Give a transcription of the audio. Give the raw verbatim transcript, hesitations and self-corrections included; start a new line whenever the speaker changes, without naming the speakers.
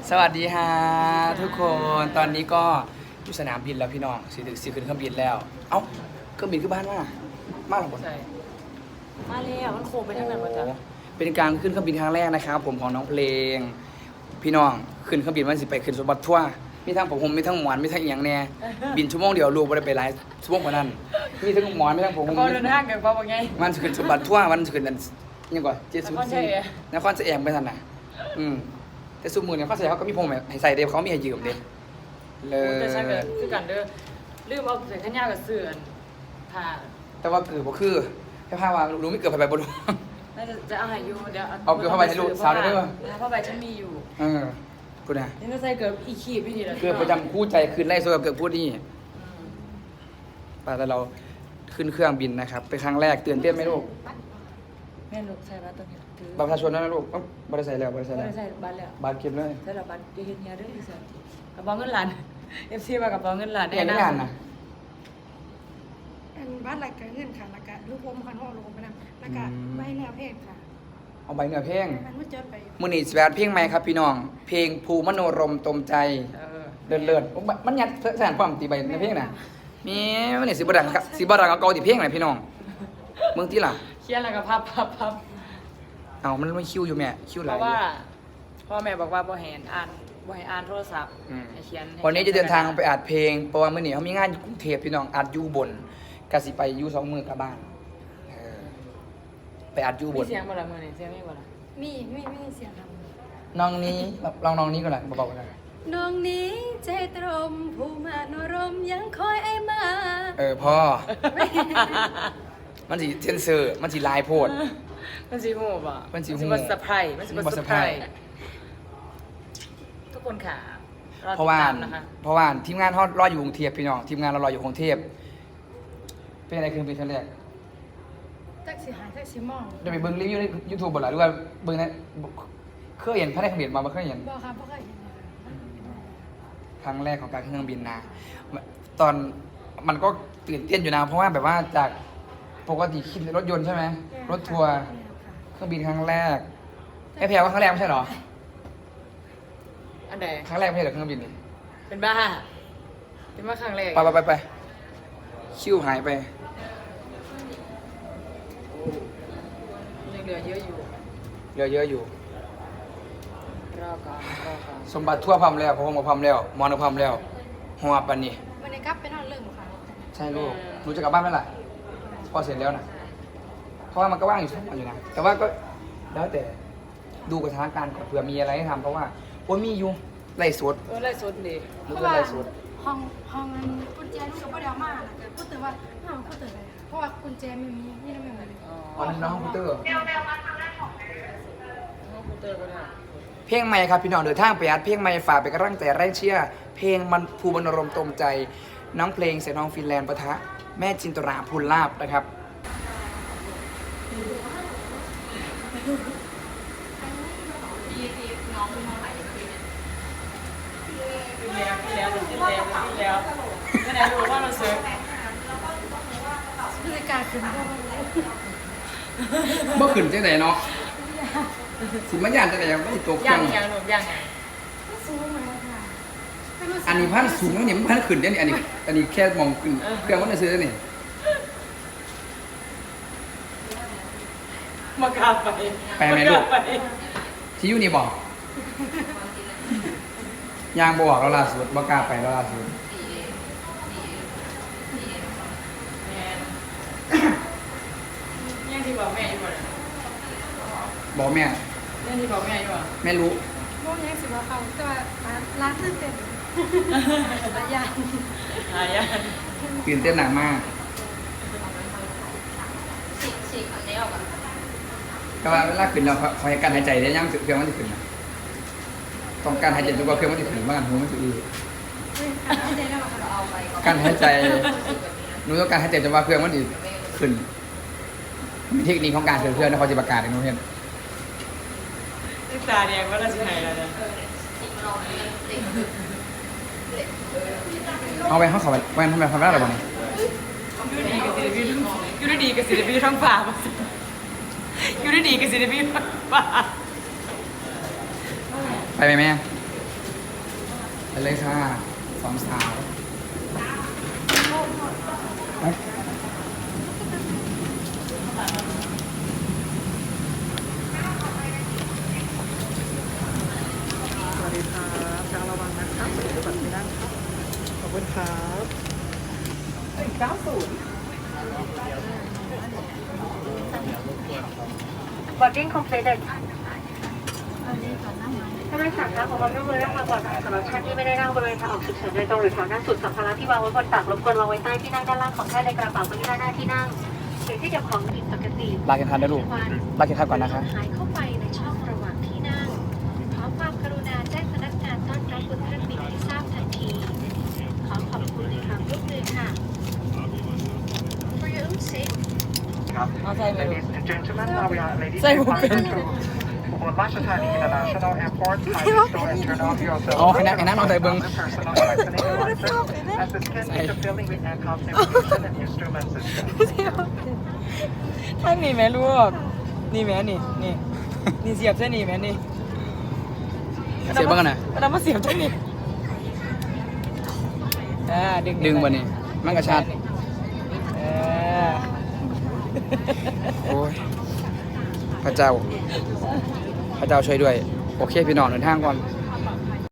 สวัสดีฮะทุกคนตอนนี้ก็อยู่สนามบินแล้วพี่น้องสิถึงสิขึ้นเครื่องบินแล้วเอ้าเครื่องบินขึ้นบ้านมามาหรอ
ใช่มาแล้วมันโค้งไปทางไหนวะจ๊ะ
เป็นการขึ้นเครื่องบินครั้งแรกนะครับผมของน้องเพลงพี่น้องขึ้นเครื่องบินวันสิไปขึ้นสมบัติทั่วมีทั้งผมมีทั้งหมอนมีทั้งอีหยังแน่บินชั่วโมงเดียวลูกบ่ได้ไปหลายชั่วโมงกว่านั้นมีทั้งหมอนมีทั้งผม
ก็เดินทางกันเพราะว่าไง
มันขึ้นสมบัติทั่วมันขึ้นนั่นยังก่อนเจ็ดศูน
นคร
ย์
ชั
สี่
ย
นครเสียงไปทันน่ะอืมแต่ซุมือเนี่ยเขาใส่เขาก็มีผมให้ใส่เดฟเขามีให้ยืมเดฟเล
แต่ใช่กัน
ย
คือกันเด้อลืมเอาใส่ขันยาวกับเสื่อนผ่า
แต่ว่าเกิดบ่คือแค่ผ้าว่ารู้ไม่เกิดไปไปบ่รู้
น่าจะจะเอาให้อยู่เดี๋ยว
เอาเกลือเข้าไปให้ลูกสาวได้ด้วย
เข้าไปฉันมีอยู่
เออกูนะ
นี่ก็ใส่เกิดอีขีบพี่ดีแล้ว
เกิดประจำคู่ใจคืนไล่โซกับเกิดพูดนี่ป่าแต่เราขึ้นเครื่องบินนะครับเป็นครั้งแรกตื่นเต้นไหมลูก
แม่ลูกใส่บัตรตรงนี้ถือ
บัตรประชาชนนะลูกเอ้าบัตรใส่แล้วบัตรใส่
ไม่
แล้ว
ได้ใส่บัตรแล้ว
บัตรเก็บเลย
ใส่แล้วบัตรจะเห็นเฮียเด้ออีสันกระเป๋าเงินล้านเอฟซีมากระเป๋าเงินล้าน
เนี่ยไม่อ่านนะ
เป็นบ้านหลักการเงินค่ะหลักการลูกผมคันห้องลูกผมไปนำหลักการใบแนวเพศค่ะ
เอาใบเหนือเพลง
มันไม่เจอไป
มือนีสแวดเพลงใหม่ครับพี่น้อง เพลงภูมโนรมตมใจ
เออ
เลิศเลิศโอ้มันยัดแสนความตีใบในเพลงน่ะมีมันนี่สิบดังครับสิบดังเอาเกาตีเพลงไหนพี่น้องเมืองที่ล่ะ
เขียนแล้วก็พับพับพับ
เอามันไม่คิวอยู่แม่คิวห
เพ
ลาย
ราะว่าพ่อแม่บอกว่าบ่ให้อ่านบ่ให้อ่านโทรศัพท์
อืม
ให้เขียนให้
วันนี้จะเดินทางไปอัดเพลงเพราะว่าเมื่อนี้เขามีงานอยู่กรุงเทพพี่น้องอัดอยู่บนกสิไปอยู่สองมือกลับบ้านเออไปอัดอยู่บ
มี
น
เสียงบ่ล่ะมื้อนี้เสียงมีบ่ล่ะ
มีไม่ไม่เสียงท
น้องนี้ลองน้องนี้ก่อนละเบาๆกันนะ
ำน้องนี้ใจตรมผู้มาโนรมยังคอยไอ้มา
เออพ่อ มันสิเซนเซอร์มันสิลายโพด
มันสิฮู้บ่
มันสิฮู้
บ่เซอร์ไพรส์มันสิ
มั
บ่
นบ่
เซอร์ไพร
surprise
ส์ทุกคนค่ะรอ
เพ
ติ
ราะ
ด
ว่า
ตามนะคะ
เพราะว่าทีมงานเขารออยู่กรุงเทพพี่น้องทีมงานเรารออยู่กรุงเทพเป็นอะไรคือเป็นครั้งแรก
แท็กซี่หายแท็กซี่มอง
จะไปเบิ่งรีวิวในยูทูบบ่ล่ะหรือว่าเบิ่งในเคยเห็นพระในคำเห็นมาบ่เคยเห็น
บอกครับเพราะเคยเห็น
ครั้งแรกของการขึ้นเครื่องบินนะตอนมันก็ตื่นเต้นอยู่นะเพราะว่าแบบว่าจากปกติขี่รถยนต์ใช่ไหมรถทัวร์เครื่องบินครั้งแรกไอ้แพรว่าครั้งแรกไม่ใช่เหรอ
อันใด
ครั้งแรกไม่ใช่เหรอเครื่องบินนี่
เป็นบ้าเป็นว่าครั้งแรก
ไปไปไปไปคิวหายไป
ยังเหลือเยอะอยู่
เยอะเยอะอยู่
รอก่อนรอก่อน
สมบัติทั่วพร้อมแล้วพระพรหมพร้อมแล้วมอนพร้อมแล้วหัวปันนี่
วันนี้กลับไปนอนเรื่องค่ะ
ใช่ลูกหนูจะกลับบ้านไหมล่ะพอเสร็จแล้วนะเพราะว่ามันก็ว่างอยู่ทุกวันอยู่นะแต่ว่าก็แล้วแต่ดูกับสถานการณ์ก่อนเผื่อมีอะไรให้ทำเพราะว่าโอ้ยมีอยู่ไล่สด
เออไล่สดดี
หนู
เพ
ก็
ราะว่า
ไล่สด
ห้องห้องนั้นกุญแจลูกกับพ่อเดียวมาเกิดพูดถึงว่าห้องพูดถึงอะไรเพราะว่ากุญแจไม่มีนี่นั่นไม่เหมือนเลย
อ๋อนั่นน้องคอมพิวเตอร์
ห้องคอมพิวเตอร์ก็ได้
เพลงใหม่ครับพี่น้องเดินทางไปอัดเพลงใหม่ฝากไปนกำลังใจแรงเชียร์เพลงมันภูมนรมตมใจ น้องเพลงเสียงน้องฟินแลนด์ปะทะแม่จินตราพูลลาบนะครับ
ขึ้นแล้วขึ้นแล้วขึ้นแล้วขึ้นแล้วไม่ไหนรู้ว่าเราเซิร์ฟ
บรรยากาศคือพ่อ
เมื่อคืนจังไหนเนาะสิมันยานจังไหนไม่ตกเค
ย่า
รื่อง ง
ย่างหนูย่างไง
สูงเลยค่ะ
อันนี้พันสูงแล้วเนี่ยมันพันขึ้นได้เนี่ยอันนี้อันนี้แค่มองขึ้นเครื่องมันจะซื้อได้เนี่ย
มากราบไป
ไปไหมลูก
าราบไป
ที่อยู่นี่บอกยางบอกเราล่าสุดบอกกล้าไปเราล่าสุด
ย่างที่บอกแม่อยู่บ่เนี่ย
บอกแม่
ย่างที่บอกแม่อยู่บ่
แม่รู้
โมงยังสิบว่าเขาแต่ว่าร้านตื่นเต้นหลายอย่าง
หายา
ตื่นเต้นหนักมากแต่ว่าเวลาขึ้นเราคอยการหายใจได้ยังเครื่องมันจะขึ้นนะต้องการหายใจจนกว่าเครื่องมันจะขึ้นบ้างหูมันจะอือการหายใจหนูต้องการหายใจจนกว่าเครื่องมันจะขึ้นมีเทคนิคของการขึ้นเครื่องนะเขาจะประกาศให้หนูเห็น
ตึกตาแดงว่าเราสิหายแล้วนะ
เอาไปเขาเขาไปแวนทำไมทำได้หรอบ้าง
อยู่ดีกับศิลปินทั้งอยู่ดีกับศิลปินทั้งฝ่ามาสิอยู่ดีกับศิลปินทั้งฝ่า
ไปไหมแม่
ไ
ไปเลยค่ะสองสาวไป
สวัสดีครับช้างระวังนะครับเดี๋ยวบัตรไม่ได้ครับขอบคุณครับเก้าศูนย์
boarding completed ถ้าไม่สั่งนะขอความร่วมมือและความปลอดภัยสำหรับท่านที่ไม่ได้นั่งบริเวณทางออกฉุกเฉินโดยตรงหรือแถวหน้าสุดสัมภาระที่วางไว้บนตักรบกวนวางไว้ใต้ที่นั่งด้านล่างของท่านในกระเป๋าบนที่ด้านหน้าที่นั่งหรือที่เก็บของผิดปกติ
ลาเข็มขัดนะลูกลาเข็มขัดก่อนนะคะ
หายเข้าไปในช่องระหว่างที่นั่งขอความกรุณาแจ้งพนักงานต้อนรับบนเครื่องบินให้ทราบทันที ขอขอบคุณในความร่วมมือค่ะ For your own safety
เอาใส่ไปลูก
Ladies and gentlemen, now we are ready
Say
to
what
depart
pen.
to Ubon Ratchathani International Airport. Kindly store and turn off your cell
อ๋อ
phone
ให้นั่งให้นั่งลองใส่เบิ้ง
and personal electronic devices as the scan is fulfilling with aircraft navigation and instrument system.
ท่านนี่แม่ลูกนี่แม่นี่นี่นี่เสียบเส้นนี่แม่นี่
เสียบบ้างกันนะ
เรามาเสียบเส้นนี่อ่าดึง
ดึงบนนี่มันกระชัด
เออ
โอ้ยพระเจ้า พระเจ้าช่วยด้วย โอเค พี่น้องเดินทางก่อน